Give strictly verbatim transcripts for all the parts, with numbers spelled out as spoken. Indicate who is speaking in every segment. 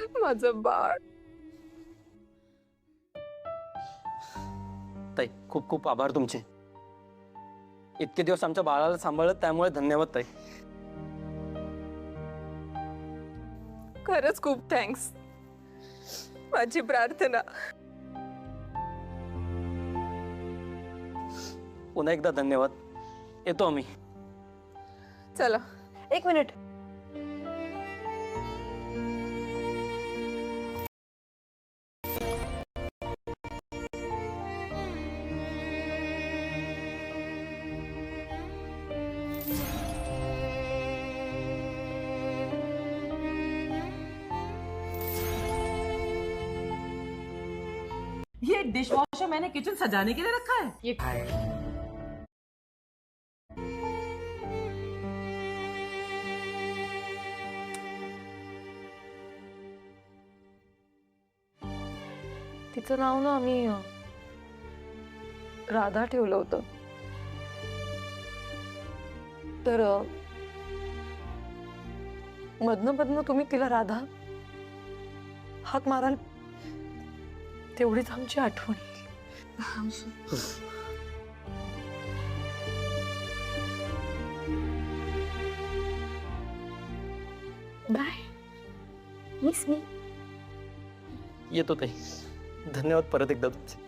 Speaker 1: माझं बाळ.
Speaker 2: ताई खूप खूप आभार तुमचे. इतके दिवस आमच्या बाळाला सांभाळत त्यामुळे धन्यवाद ताई.
Speaker 1: खरंच खूप थँक्स. माझी प्रार्थना.
Speaker 2: पुन्हा एकदा धन्यवाद. येतो आम्ही.
Speaker 1: चला.
Speaker 3: एक मिनिट.
Speaker 4: ये डिशवॉशर मैंने किचन सजाने के लिए रखा है। ये
Speaker 3: तिचं नाव ना आम्ही राधा ठेवलं होतं. तर मधनं मधनं तुम्ही तिला राधा हाक माराल तेवढीच आमची आठवण.
Speaker 5: Bye miss me.
Speaker 2: येतो ताई. धन्यवाद परत एकदा तुमचे.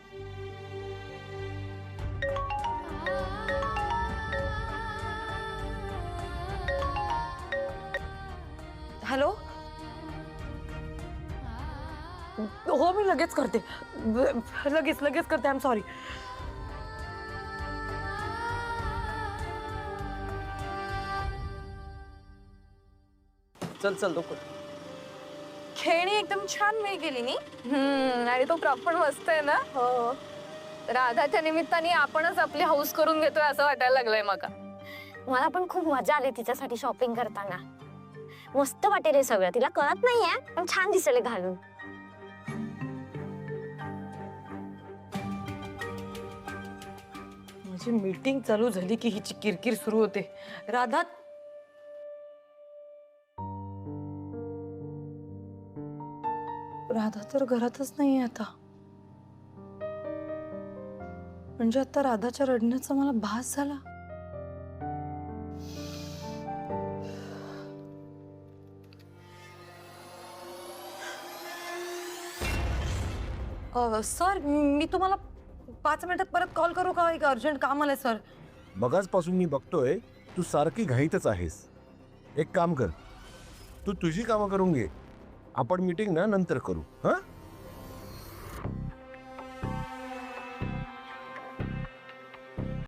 Speaker 3: हॅलो. हो मी लगेच करते. लगेच लगेच करते. I am sorry.
Speaker 2: चल चल लवकर.
Speaker 1: खेळणी एकदम छान वेळ गेली नी. हम्म आणि तो क्रॉप पण मस्त आहे ना. हो. राधाच्या निमित्ताने आपणच आपली हौस करून घेतोय असं वाटायला लागलंय मला.
Speaker 5: मला पण खूप मजा आली तिच्यासाठी शॉपिंग करताना. मस्त वाटेल हे सगळं. तिला कळत नाहीये पण छान दिसले घालून.
Speaker 3: माझी मीटिंग चालू झाली की हिची किरकिर सुरू होते. राधा राधा तर घरातच नाहीये आता. म्हणजे आता राधाच्या रडण्याचा मला भास झाला. सर मी तुम्हाला पाच मिनिटात परत कॉल करू का? एक अर्जंट काम आलंय सर.
Speaker 6: मगाचपासून मी बघतोय तू सारखी घाईतच आहेस. एक काम कर, तू तुझी कामं करून घे. आपण मीटिंग ना नंतर करू. हां.